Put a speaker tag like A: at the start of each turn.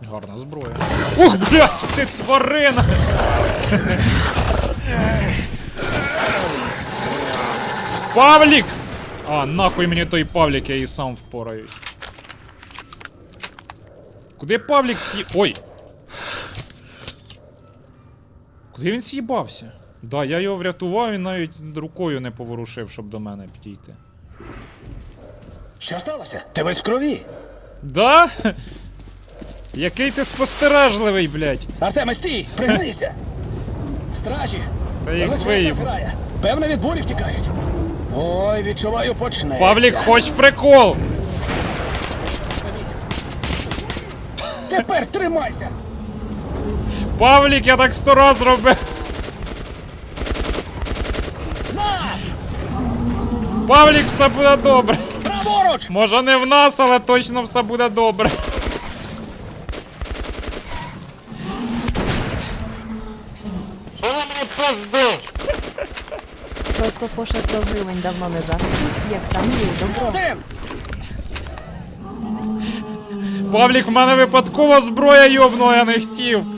A: Гарна зброя. Ух, блядь, ти тварина! Павлік! А, нахуй мені той Павлік, я і сам впораюсь. Куди Павлік Ой! Куди він з'їбався? Да, я його врятував, він навіть рукою не поворушив, щоб до мене підійти.
B: Що сталося? Ти весь в крові.
A: Да? Який ти спостережливий, блядь.
B: Артеме, стій! Пригнися! Стражі!
A: Та їх
B: величезна
A: виїб.
B: зграя. Певно, від бурі втікають. Ой, відчуваю, почне.
A: Павлік, хоч прикол!
B: Тепер тримайся!
A: Павлік, я так 100 раз робив!
B: На!
A: Павлік, все буде добре!
B: Праворуч!
A: Може не в нас, але точно все буде добре.
C: Просто по 100 гривень давно не захотів, як там є добро.
B: Один!
A: Павлік, в мене випадково зброя йобнула, я не хотів.